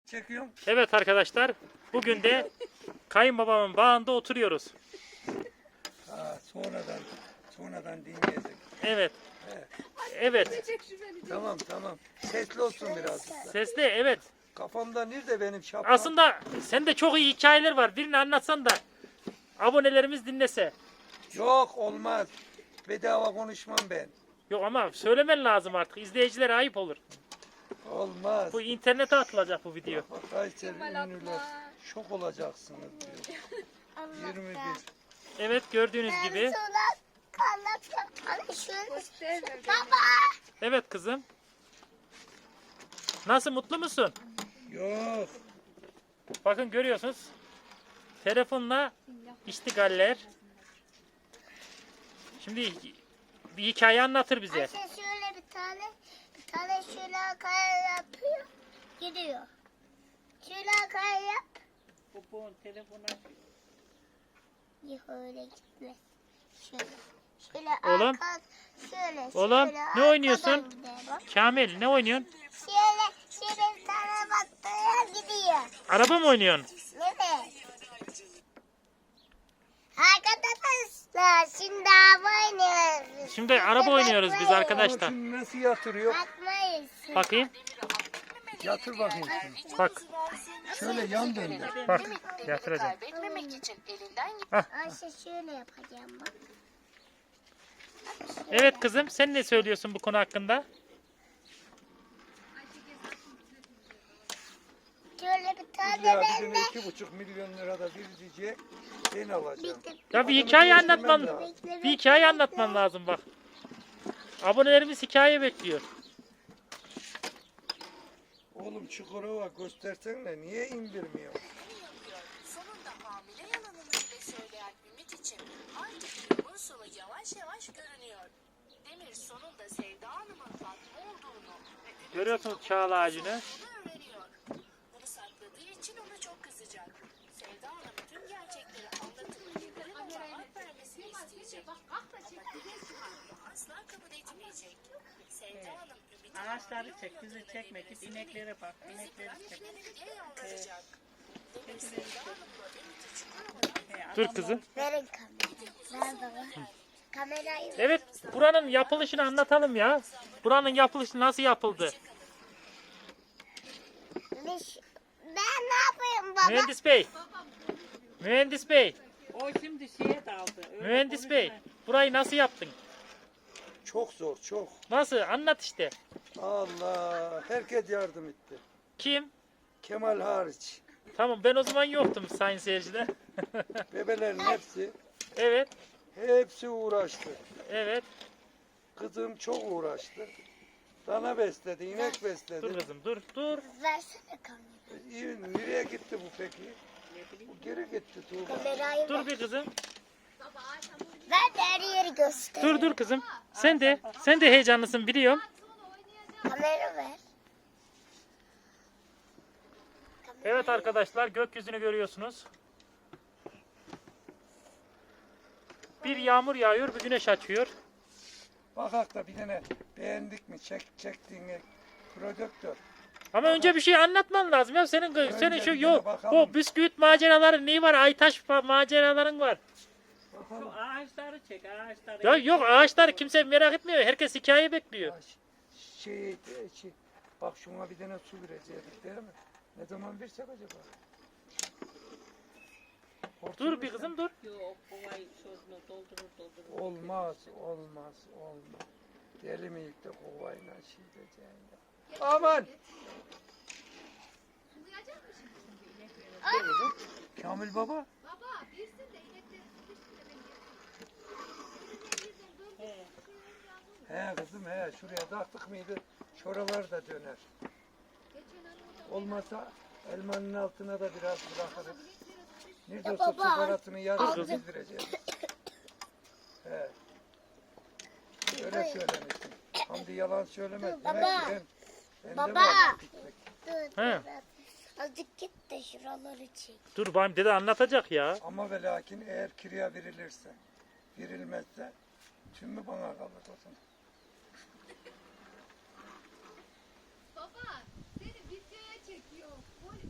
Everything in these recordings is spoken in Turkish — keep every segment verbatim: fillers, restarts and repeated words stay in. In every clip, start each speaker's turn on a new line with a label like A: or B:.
A: Çekiyorum.
B: Evet arkadaşlar, bugün de kayınbabamın bağında oturuyoruz.
A: Ha, sonradan sonradan dinleyecek.
B: Evet.
A: Evet.
B: Evet.
A: Tamam tamam. Sesli olsun biraz.
B: Sesli, evet.
A: Kafamda nerede benim şapkam?
B: Aslında sende çok iyi hikayeler var. Birini anlatsan da abonelerimiz dinlese.
A: Yok olmaz. Bedava konuşmam ben.
B: Yok ama söylemen lazım artık. İzleyicilere ayıp olur.
A: Olmaz.
B: Bu internete atılacak bu video.
A: Bak Kayseri ünlüler şok olacaksınız diyor. yirmi bir.
B: Evet, gördüğünüz gibi.
C: Baba.
B: Evet kızım. Nasıl, mutlu musun?
A: Yok.
B: Bakın görüyorsunuz. Telefonla iştigaller. Şimdi bir hikaye anlatır bize.
C: Ayşe şöyle bir tane, bir tane şöyle kaya yapıyor, gidiyor. Şöyle kaya yap.
D: Bu telefona
C: Yok öyle gitmez. Şöyle. Şöyle
B: Oğlum.
C: arka, şöyle,
B: Oğlum,
C: şöyle
B: ne
C: arkadan
B: oynuyorsun?
C: gider bak.
B: Kamil, ne oynuyorsun?
C: Şöyle, şöyle bir tane baktığına gidiyor.
B: Araba mı oynuyorsun?
C: Evet. Arkadaşlar şimdi araba oynuyoruz.
B: Şimdi araba oynuyoruz biz
A: Ama
B: arkadaşlar.
A: şimdi nasıl yatırıyor?
C: Bakmayız.
B: Bakayım.
A: Yatır bakayım şimdi.
B: Bak.
A: Şöyle yan döndür.
B: Bak. Yatıracağım.
E: Kaybetmemek için elinden
C: Ayşe şöyle yapacağım bak.
B: Evet kızım, sen ne söylüyorsun bu konu hakkında?
C: Şöyle bir tane
A: Ya
C: ben
A: bizim
C: de.
A: iki buçuk milyon lira da verecek. Ben alacağım.
B: Ya bir hikaye
A: Adamı
B: anlatman,
A: değiştirmem lazım.
B: bir hikaye anlatman lazım bak. Abonelerimiz hikaye bekliyor.
A: Oğlum Çukurova göstersene niye indirmiyor?
E: yapıyor. Sonunda hamile yalanını bile söyleyen Ümit için artık yolun sonu yavaş yavaş görünüyor. Demir sonunda Sevda Hanım'ın Fatma olduğunu ve Ümit'in
B: Görüyorsunuz
E: Fatma
B: çağla
E: olduğunu
B: ağacını.
E: öğreniyor. Bunu sakladığı için ona çok kızacak. Sevda Hanım tüm gerçekleri anlatıp Demir'in ona hak vermesini isteyecek. Ama Demir bunu asla kabul etmeyecek. Sevda Hanım Ümit'in
D: ağaçları çek, bizi çekme, git ineklere bak, inekleri çek.
E: nereye yalvaracak? Demir Sevda Hanım'la Ümit'i Çukurova'dan
B: Dur kızım.
C: Verin kamerayı. Ver baba. Kamerayı ver.
B: Evet, buranın yapılışını anlatalım ya. Buranın yapılışı nasıl yapıldı?
C: Biz- Ben ne yapayım baba?
B: Mühendis Bey. Mühendis Bey.
D: O şimdi şeye daldı. öyle
B: Mühendis Bey.
D: konuşma.
B: Burayı nasıl yaptın?
A: Çok zor çok.
B: Nasıl? Anlat işte.
A: Allah herkes yardım etti.
B: Kim?
A: Kemal hariç.
B: Tamam, ben o zaman yoktum sayın seyirciler.
A: Bebelerin hepsi
B: Evet.
A: hepsi uğraştı.
B: Evet.
A: Kızım çok uğraştı. Dana besledi, inek besledi.
B: Dur kızım, dur, dur.
C: Versene kamerayı.
A: İyi, nereye gitti bu peki? Bu geri gitti Tuğba.
C: Kamerayı ver.
B: Dur bir kızım.
C: Ver de her yeri göster.
B: Dur dur kızım. Sen de, sen de heyecanlısın biliyorum.
C: Kamera ver.
B: Evet arkadaşlar, gökyüzünü görüyorsunuz. Bir yağmur yağıyor, bir güneş açıyor.
A: Bakak da bir tane beğendik mi? Çek, çektiğini prodüktör.
B: Ama önce bir şey anlatman lazım ya. Senin senin şu
A: bir
B: yok.
A: bakalım.
B: O bisküvit maceraların neyi var? Aytaş fa- maceraların var.
D: Şu ağaçları çek, ağaçları.
B: Ya yok, ağaçlar kimse merak etmiyor. Herkes hikaye bekliyor.
A: Şey, şey, bak şuna bir tane su verecektik değil mi? Ne zaman versek acaba? Hortum
B: Dur bir
A: versek?
B: kızım dur.
D: Yok, kovayı sözünü doldurur doldurur.
A: Olmaz, olmaz, olmaz. Deli miyik de kovayla şey diyeceksin ya. Aman! Dur kızım. Kamil baba. He kızım he şuraya taktık mıydı şuralar da döner. Olmasa elmanın altına da biraz bırakırız. Nerede olsa
C: baba,
A: sigaratını yarısı
B: aldım.
A: bildireceğiz. He. Öyle söylemiştim. Hamdi yalan söylemez.
C: Dur,
A: Demek
C: baba.
A: ki ben, bende
C: Baba.
A: var pislik.
C: Dur.
B: He.
C: dur. Azıcık git de şuraları çek.
B: Dur bayım, dede anlatacak ya.
A: Ama ve lakin eğer kiraya verilirse, verilmezse tümü bana kalır o zaman.
F: Baba, seni videoya çekiyor.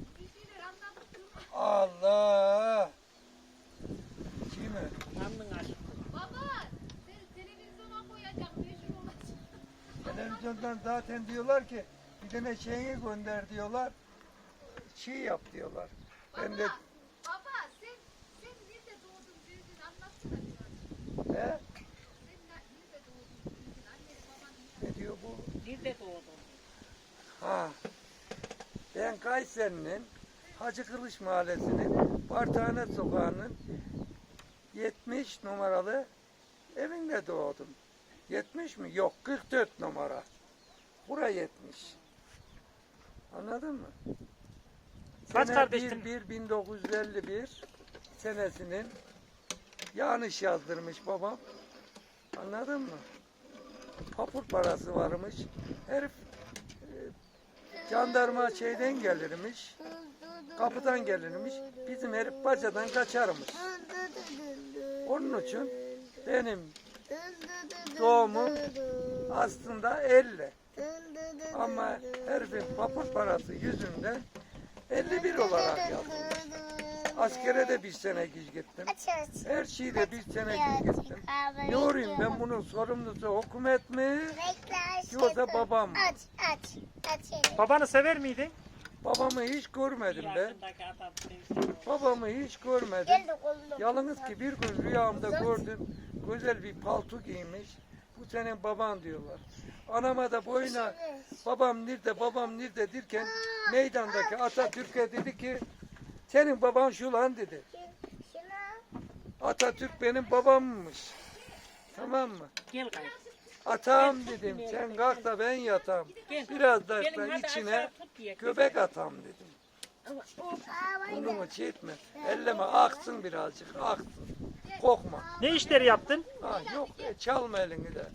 A: oradan zaten diyorlar ki bir tane şeyini gönder diyorlar. Çiğ yap diyorlar. Ben de
F: Baba sen sen nerede doğdun büyüdün anlatsana biraz.
A: he?
F: Sen ne- nerede doğdun büyüdün anneni babanı
A: Ne diyor bu?
D: Nerede doğdun?
A: Ha. Ben Kayseri'nin Hacı Kılıç Mahallesi'nin Bartane Sokağı'nın yetmiş numaralı evinde doğdum. yetmiş mi? Yok, kırk dört numara. Bura yetmiş. Anladın mı?
B: Kaç
A: Sene
B: kardeştin?
A: bir bir bin dokuz yüz elli bir senesinin yanlış yazdırmış babam. Anladın mı? Papur parası varmış. Herif e, jandarma şeyden gelirmiş. Kapıdan gelirmiş. Bizim herif bacadan kaçarmış. Onun için benim doğumum aslında elli. Ama herifin papur parası yüzünden elli bir olarak yazılmış. Askere de bir sene geç gittim.
C: Aç aç.
A: Her şeyde bir sene geç gittim. Ne olayım ben bunun sorumlusu hükümet mi? Yoksa babam mı?
C: Aç aç. Aç elini.
B: Babanı sever miydin?
A: Babamı hiç görmedim ben.
D: Yaşındaki adam sevsin.
A: Babamı hiç görmedim.
C: Gel de kolunu.
A: Yalnız ki bir gün rüyamda gördüm. Güzel bir palto giymiş. Bu senin baban diyorlar. Anama da boyuna babam nerede babam nerede derken meydandaki Atatürk'e dedi ki senin baban şu lan dedi.
C: Şuna.
A: Atatürk benim babammış. Tamam mı?
D: Gel kayıp.
A: Atam dedim sen kalk da ben yatam. Biraz da
D: Gelin hadi
A: içine
D: aşağı tut diye.
A: göbek atam dedim.
C: Aa, vay
A: Bunu çekme. Elleme aksın birazcık aksın. Korkma.
B: Ne işleri yaptın?
A: Ha, yok e, çalma elini de.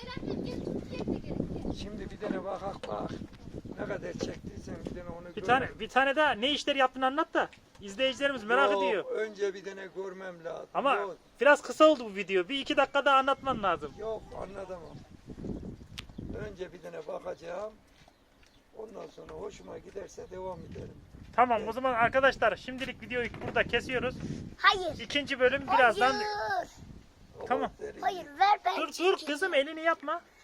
A: Şimdi bir tane bakak bak. Ne kadar çektiysen bir tane onu
B: Bir
A: gör.
B: tane bir tane daha ne işleri yaptığını anlat da izleyicilerimiz merak
A: Yok,
B: ediyor.
A: önce bir tane görmem lazım.
B: Ama
A: Yok,
B: biraz kısa oldu bu video. Bir iki dakika daha anlatman lazım.
A: yok anlatamam. Önce bir tane bakacağım. Ondan sonra hoşuma giderse devam edelim.
B: Tamam o zaman arkadaşlar şimdilik videoyu burada kesiyoruz.
C: Hayır.
B: İkinci bölüm birazdan.
C: Hayır.
A: O
B: Tamam.
A: derin.
C: Hayır ver ben
B: Dur dur
C: çekeyim.
B: kızım elini yapma.